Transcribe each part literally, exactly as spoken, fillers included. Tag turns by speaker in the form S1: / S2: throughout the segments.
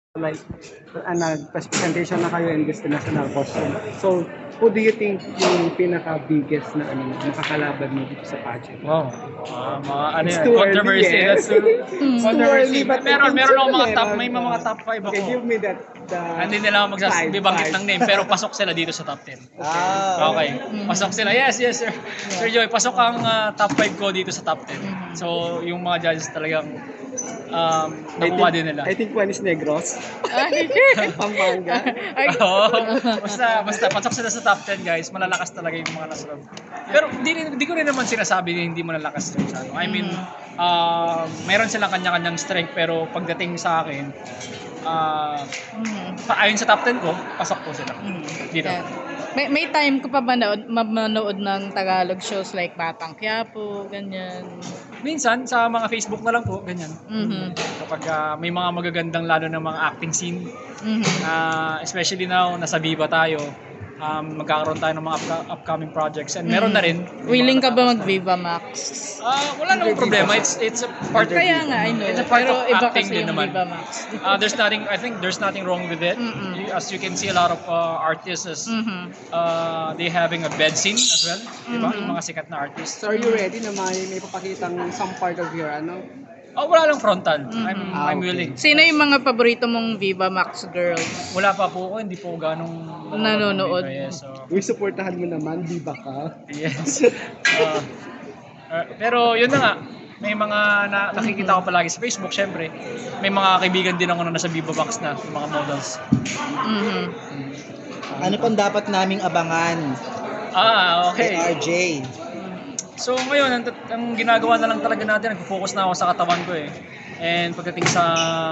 S1: like uh, nag-presentation na kayo in this national costume. So, who do you think yung pinaka-biggest na ano, makakalaban mo dito sa pageant?
S2: Wow. Uh, mga ano
S1: It's
S2: yan,
S1: too
S2: controversy.
S1: early, eh.
S2: That's too,
S1: It's too
S2: controversy.
S1: early, but
S2: meron,
S1: I think
S2: meron ako mga
S1: meron,
S2: top, may mga
S1: uh,
S2: top five ako.
S1: Okay, give me that. The
S2: Hindi nila ako
S1: five,
S2: magsasabibanggit
S1: five.
S2: ng name, pero pasok sila dito sa top ten.
S3: Ah,
S2: Okay. Pasok sila. Yes, yes, sir. Sir Joy, pasok ang uh, top five ko dito sa top ten. So, yung mga judges talagang um,
S1: I
S2: nakuha
S1: think-
S2: din nila.
S1: I think one is Negros.
S4: Ay,
S1: Pampanga.
S2: Oo. basta, basta, pasok sila sa top ten, guys. Malalakas talaga yung mga nasa loob. Pero hindi, hindi ko rin naman sinasabi na hindi malalakas yung sa ano. I mean, uh, mayroon silang kanya-kanyang strength, pero pagdating sa akin, uh, pa- ayon sa top ten ko, pasok po sila. Dito.
S4: Yeah. May, may time ko pa ba manood, manood ng Tagalog shows like Batang Quiapo, ganyan.
S2: Minsan, sa mga Facebook na lang po, ganyan.
S4: Mhm.
S2: Kapag uh, may mga magagandang lalo ng mga acting scene,
S4: Mhm.
S2: uh, especially now, nasa Viva tayo, um, magkakaroon tayo ng mga upca- upcoming projects. And meron na rin. may
S4: Willing
S2: mga
S4: ka ba
S2: natapos na.
S4: mag-Viva Max?
S2: Ah, wala namang problema. It's it's a part
S4: Kaya nga, I know.
S2: It's a part
S4: Pero
S2: of
S4: iba
S2: acting
S4: kasi
S2: din
S4: yung
S2: naman.
S4: Viva Max.
S2: Uh, there's nothing, I think there's nothing wrong with it.
S4: Mm-mm.
S2: You- As you can see, a lot of uh, artists, is,
S4: Mhm.
S2: uh, they having a bed scene as well. Diba?
S4: Mhm.
S2: Yung mga sikat na artists.
S1: So, are you ready na may, may papakitang some part of your ano?
S2: Oh, wala lang frontal.
S4: Mhm.
S2: I'm,
S1: Ah,
S2: I'm
S1: okay.
S2: willing.
S4: Sino yung mga paborito mong Viva Max girls?
S2: Wala pa po ako, hindi po ganong
S4: Nanonood.
S2: Yes, so,
S1: Uy, supportahan mo naman, di ba ka?
S2: yes. Uh, uh, pero yun na nga, may mga na, nakikita ko palagi sa Facebook, syempre. May mga kaibigan din ako na nasa Viva Box na, yung mga models.
S4: Mhm.
S3: ano pang dapat naming abangan
S2: Ah,
S3: kay
S2: okay.
S3: R J?
S2: So ngayon, ang, ang ginagawa na lang talaga natin, nag-focus na ako sa katawan ko eh. And pagdating sa,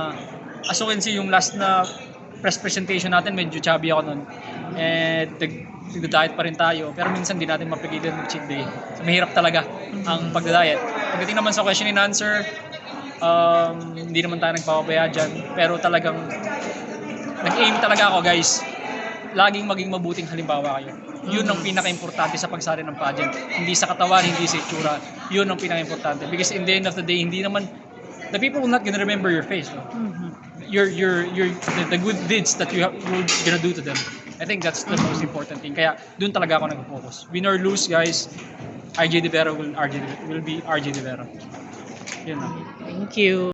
S2: as you can see, yung last na press presentation natin, medyo chubby ako nun. And nag-diet pa rin tayo, pero minsan di natin mapigilan mag-cheat day. So mahirap talaga ang pagda-diet. Pagdating naman sa question and answer, um, hindi naman tayo nagpapabaya dyan. Pero talagang, nag-aim talaga ako guys. Laging maging mabuting halimbawa kayo. Yun ang pinaka-importante sa pagsali ng pageant. Hindi sa katawan, hindi sa itsura. Yun ang pinaka-importante. Because in the end of the day, hindi naman, the people will not gonna remember your face. No? Your, your, your, the, the good deeds that you have, you're gonna do to them. I think that's the most important thing. Kaya dun talaga ako nag-focus. Win or lose, guys, R J De Vera will, R J, will be R J De Vera. Yun lang.
S4: Thank you.